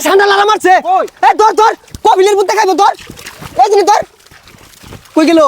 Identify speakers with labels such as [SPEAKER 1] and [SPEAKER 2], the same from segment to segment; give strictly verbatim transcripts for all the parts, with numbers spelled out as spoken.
[SPEAKER 1] ঠান্ডা লাগা মারছে এ ধর ধর কপিলের বুদ্ধে খাইবো ধর এই দিন ধর কই গেল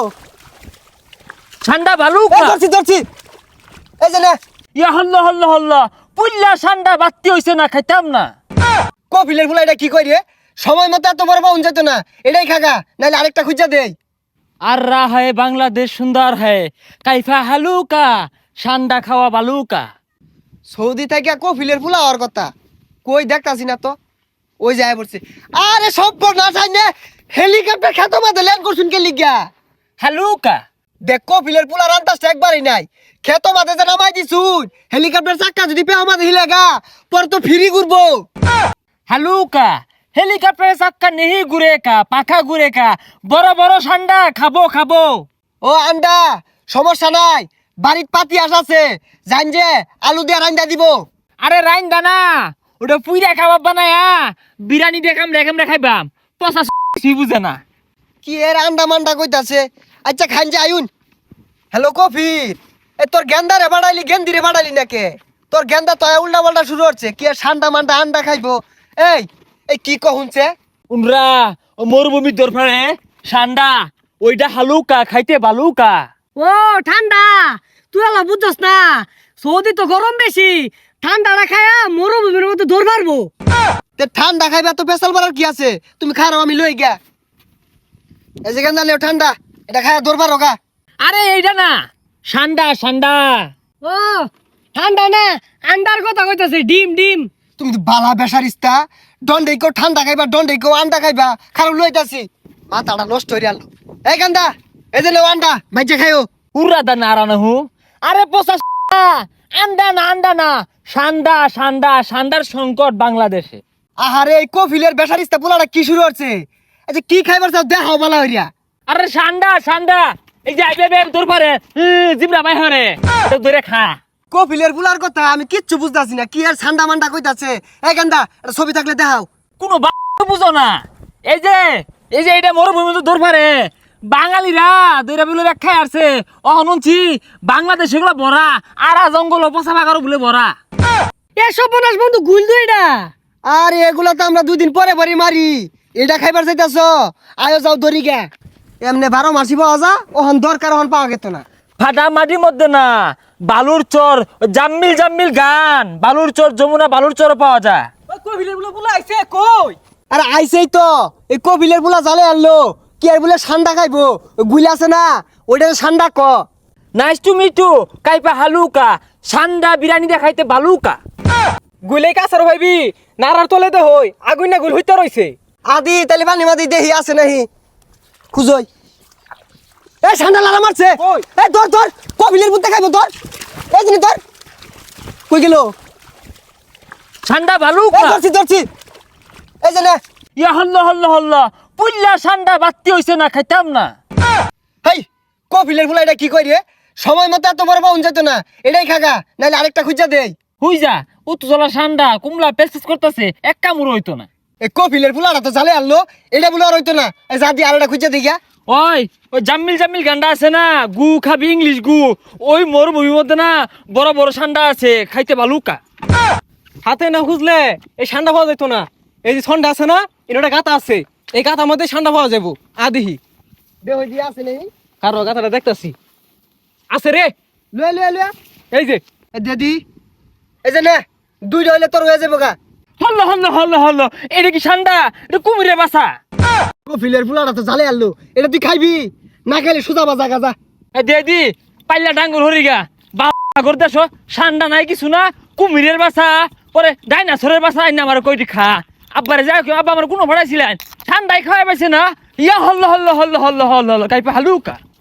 [SPEAKER 2] ঠান্ডা ভালো
[SPEAKER 1] এ ধরছি ধরছি এই যে না
[SPEAKER 2] ইয়া হল্লা হল্লা হল্লা পুল্লা ঠান্ডা বাত্তি হইছে না খাইতাম না
[SPEAKER 1] কপিলের ফুলা এটা কি কই রে সময় মতো এত বড় পাউন যেত না এটাই খাগা নাইলে আরেকটা খুঁজা দেই
[SPEAKER 2] আর রা হয় বাংলাদেশ সুন্দর হয় কাইফা হালুকা ঠান্ডা খাওয়া বালুকা
[SPEAKER 1] সৌদি থেকে কপিলের ফুলা হওয়ার কথা কই দেখতাছি না তো ওই যায় পড়ছে আরে সব না চাইনে হেলিকপ্টার খেতো মাঝে ল্যান্ড করছুন কে লিগা
[SPEAKER 2] হালুকা
[SPEAKER 1] দেখ কপিলের ফুলা রান্তাসটা একবারই নাই খেতো মাঝে যে নামাই দিছুন হেলিকপ্টার চাক্কা যদি পেও মাঝে হিলেগা পর তো ফিরি ঘুরবো
[SPEAKER 2] হালুকা হেলিকপ্টারে চাক্কা নেহি ঘুরে কা পাখা ঘুরে কা বড় বড় ঠান্ডা খাবো খাবো
[SPEAKER 1] ও আন্ডা সমস্যা নাই বাড়ির পাতি আস আছে জান যে আলু দিয়ে রান্দা দিব
[SPEAKER 2] আরে রাইন দানা ওটা পুইরা খাবার বানায়া বিরিয়ানি দেখাম রেখাম রেখাইবাম পচা কিছুই বুঝে না
[SPEAKER 1] কি এর আন্ডা মান্ডা কইতাছে আচ্ছা খান যে আয়ুন হ্যালো কফির এ তোর গেন্দা রে বাড়াইলি গেন্দি রে বাড়াইলি নাকে তোর গেন্দা তো উল্টা পাল্টা শুরু হচ্ছে কি আর ঠান্ডা মান্ডা আন্ডা খাইবো এই এই কি কহুনছে
[SPEAKER 2] উনরা ও মরুভূমির দরফারে ঠান্ডা ওইটা হালুকা খাইতে বালুকা
[SPEAKER 3] ও ঠান্ডা তুই আলা বুঝছস না সৌদি তো গরম বেশি ঠান্ডা না খায়া মরুভূমির মতো দৌড় মারবো
[SPEAKER 1] তে ঠান্ডা খাইবা তো পেশাল বাড়ার কি আছে তুমি খারাপ আমি লই গিয়া এই যে গেন্দা লেও ঠান্ডা এটা খায়া দরবার হোগা
[SPEAKER 2] আরে এইটা না ঠান্ডা ঠান্ডা
[SPEAKER 3] ও ঠান্ডা না আন্ডার কথা কইতাছে ডিম ডিম
[SPEAKER 1] তুমি তো বালা বেসারিস্তা দন্ডে কেউ ঠান্ডা খাইবা দন্ডে কেউ আন্ডা খাইবা খারাপ লইতাছি মাথাটা নষ্ট হয়ে গেল এই গান্দা এই যে লেও আন্ডা মাইজে খাইও
[SPEAKER 2] উড়া দা নারানা হু আরে পচা আন্ডা না আন্ডা না সান্ডা সান্ডা সান্ডার সংকট বাংলাদেশে
[SPEAKER 1] আহারে এই কফিলের বেসারিস্তা পোলাটা কি শুরু হচ্ছে আচ্ছা কি খাইবার চাও দেখাও বালা হইয়া
[SPEAKER 2] আরে সান্ডা সান্ডা এই যে আইবে বে তোর পারে জিবরা বাই হরে তো ধরে খা
[SPEAKER 1] কফিলের পোলার কথা আমি কিচ্ছু বুঝতাছি না কি আর ঠান্ডা মান্ডা কইতাছে এই গান্দা এটা ছবি থাকলে দেখাও
[SPEAKER 2] কোনো বুঝো না এই যে এই যে এটা মরুভূমি তো দূর পারে বাঙালিরা দইরা বলে ব্যাখ্যায় আসছে অহনুনছি বাংলাদেশ এগুলো ভরা আরা জঙ্গল পচা বাগারও বলে ভরা
[SPEAKER 3] এ সর্বনাশ বন্ধু গুল দু এটা
[SPEAKER 1] আর এগুলা তো আমরা দুদিন পরে পরে মারি এটা খাইবার চাইতাছ আয়ো যাও দড়ি গে এমনি বারো মাসি পাওয়া যা ওহন দরকার ওহন পাওয়া গেত না
[SPEAKER 2] ফাটা মাটির মধ্যে না বালুর চর জাম্মিল জাম্মিল গান বালুর চর যমুনা বালুর চর পাওয়া যায়
[SPEAKER 3] কবিলের বলে বলে আইছে কই
[SPEAKER 1] আরে আইসেই তো এই কপিলের পোলা জালে আনলো কি আর বলে ঠান্ডা খাইবো গুলি আছে না ওইটা ঠান্ডা ক
[SPEAKER 2] নাইস টু মিট ইউ কাইপা হালুকা সান্ডা বিরিয়ানি দেখাইতে বালুকা
[SPEAKER 3] গুলে কাছার ভাইবি নারার তলে দে হই আগুন না গুল হইতে রইছে
[SPEAKER 1] আদি তালি পানি মাদি দেহি আছে নাহি খুঁজই এ ঠান্ডা লাগা মারছে এ ধর ধর কপিলের বুদ্ধে খাইবো ধর এই জিনিস ধর কই গেল
[SPEAKER 2] সান্ডা
[SPEAKER 1] এ
[SPEAKER 2] বালুকা
[SPEAKER 1] ধরছি ধরছি এই যে না
[SPEAKER 2] ইয়া হল্লা হল্লা হল্লা পুল্লা সান্ডা বাত্তি হইছে না খাইতাম না
[SPEAKER 1] হেই কপিলের ফুলা এটা কি কই রে সময় মতো এত বড় পাউন যেত না এটাই খাগা নাইলে আরেকটা খুঁজা দেই
[SPEAKER 2] হুই যা উত্তজলা সান্ডা কুমলা পেসপেস করতেছে এক কামড় হইতো না
[SPEAKER 1] এই কপিলের ফুলাটা তো জালে আনলো এটা বলে আর হইতো না এই যা দিয়ে আরেকটা খুঁজা দিই গা
[SPEAKER 2] ওই ওই জাম্মিল জাম্মিল গান্ডা আছে না গু খাবি ইংলিশ গু ওই মরুভূমির মধ্যে না বড় বড় সান্ডা আছে খাইতে বালুকা
[SPEAKER 3] হাতে না খুঁজলে এই ঠান্ডা পাওয়া যেত না এই যে ঠান্ডা আছে না এটা গাতা আছে এই গাতার মধ্যে ঠান্ডা পাওয়া যাবো আদিহি
[SPEAKER 1] দেহ দিয়ে আছে নেই
[SPEAKER 3] কারো গাতাটা দেখতাছি আছে রে
[SPEAKER 1] লয়ে লয়ে লয়ে
[SPEAKER 3] এই যে
[SPEAKER 1] এ দিদি এই যে নে দুইটা হইলে তোর হয়ে যাবো গা
[SPEAKER 2] হল্ল হল্ল হল্ল হল্ল এটা কি সান্ডা এটা কুমিরে বাসা
[SPEAKER 1] কপিলের ফুলাটা তো জালে আনলো এটা তুই খাইবি না খাইলে সুজা বাজা গাজা
[SPEAKER 2] এ দে দি পাল্লা ডাঙ্গর হরিগা বাগর দেশ সান্ডা নাই কিছু না কুমিরের বাসা পরে ডাইনাসরের বাসা আইনা আমার কইটি খা আব্বারে যাই আব্বা আমার কোনো ভাড়াইছিলেন ঠান্ডায় খাওয়াই পাইছে না ইয়া হল্ল হল্ল হল্ল হল্ল হল্ল হল্ল কাইপা হালুকা